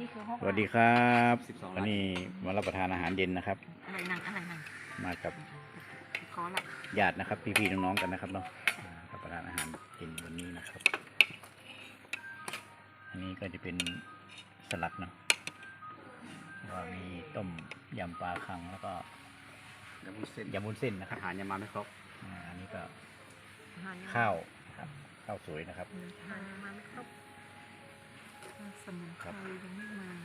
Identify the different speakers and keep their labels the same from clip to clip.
Speaker 1: สวัสดีครับวันนี้มารับประทานอาหารเย็นนะครับ
Speaker 2: อะไรนั่ง
Speaker 1: มากับญาตินะครับพี่ๆน้องๆกันนะครับเนาะรับประทานอาหารเย็นวันนี้นะครับอันนี้ก็จะเป็นสลัดเนาะว่ามีต้มยำปลาคังแล้วก็ยำวุ้นเส้นนะครับอาหารยังมาไม่ครบอันนี้ก็ข้าวครับข้าวสวยนะครับ
Speaker 2: มาไม่ครบสมุนไพรยังไม่มา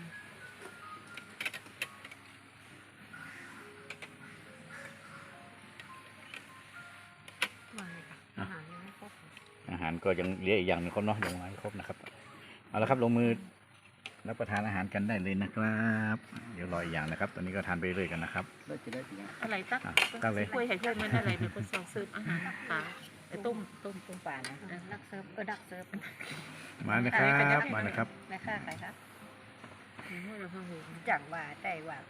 Speaker 1: อาหารก็ยังเหลืออีกอย่างนึงครับเนาะยังไม่ครบนะครับเอาละครับลงมือรับประทานอาหารกันได้เลยนะครับเดี๋ยวรออีกอย่างนะครับตอนนี้ก็ทานไปเรื่อยกันนะครับ
Speaker 2: อะไรตั้งเลยคุยให้เพื่อนมันอะไรเป็นคนส่งซื้ออาหารปลาต้มปลานะดักเซิร์ฟดักเซิร์ฟ
Speaker 1: มานะครับมานะครับ
Speaker 2: แม่ค่าใครครับจังว่าได้ว่า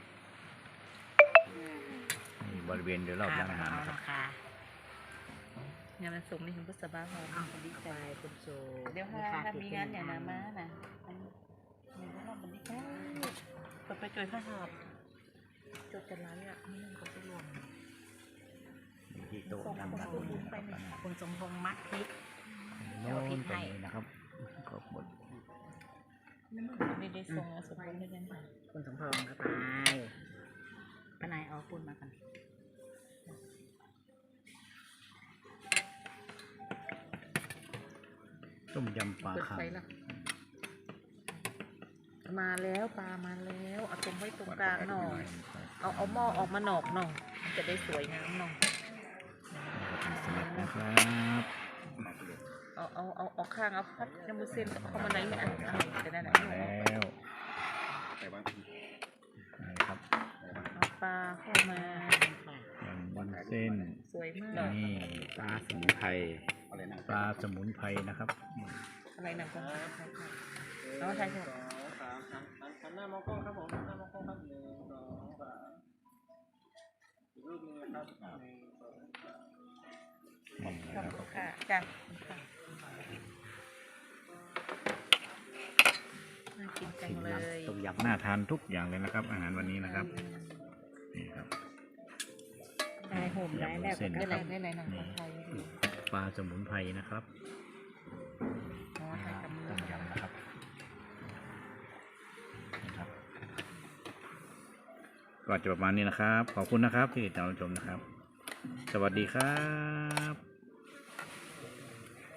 Speaker 1: บริเวณโดยรอบร้านอาหารนะครับ
Speaker 2: งานมันส่งในถึงพุทธบาทเราดีใจคุณโจเดี๋ยวถ้ามีงานอย่างนั้นมานะมีพวกเราเป็นดีใจไปจอยข้าวหอบจดกันแล้วอ่ะนี่มันก็จะรวม
Speaker 1: ที่โต๊ะทำแบบนี้นะครับ
Speaker 2: คุณสมพงษ์มัดพริก
Speaker 1: โน้นตรงนี้นะครับก็หมด
Speaker 2: ไม่ได้ส่งสมพงษ์ได้ยังไงคุณสมพงษ์ก็ไปนายเอาปูนมากัน
Speaker 1: ต้มยำปลาคัง
Speaker 2: มาแล้วปลามาแล้วเอาตรงไว้ตรงกลางหน่อยเอาหม้อออกมาหนอกหน่อยจะได้สวยงามหน่อย
Speaker 1: นะครับ
Speaker 2: เอาข้างเอาพัดน้ำมันเส้นเข้ามาในนี้จะได้ไหน
Speaker 1: แล้วนี่ครับ
Speaker 2: เอาปลาเข้ามา
Speaker 1: วันเส้น
Speaker 2: สวยมาก
Speaker 1: นี่ปลาสมุนไพรนะครับ
Speaker 2: อะไรนะคุณเอาใช่ใช่
Speaker 3: หน้ามองกล้องครับผมหน้ามองกล้องครับรูปนึงครับ
Speaker 2: ขอบคุณค่ะจ้ะน่ากินจังเลย
Speaker 1: ต้มยำน่าทานทุกอย่างเลยนะครับอาหารวันนี้นะครับนี่ครับ
Speaker 2: ได้โหมได้แบบได้ไหนนะ
Speaker 1: ปลาสมุนไพรนะครับต้มยำนะครับก็จะประมาณนี้นะครับขอบคุณนะครับที่ติดตามชมนะครับสวัสดีครับ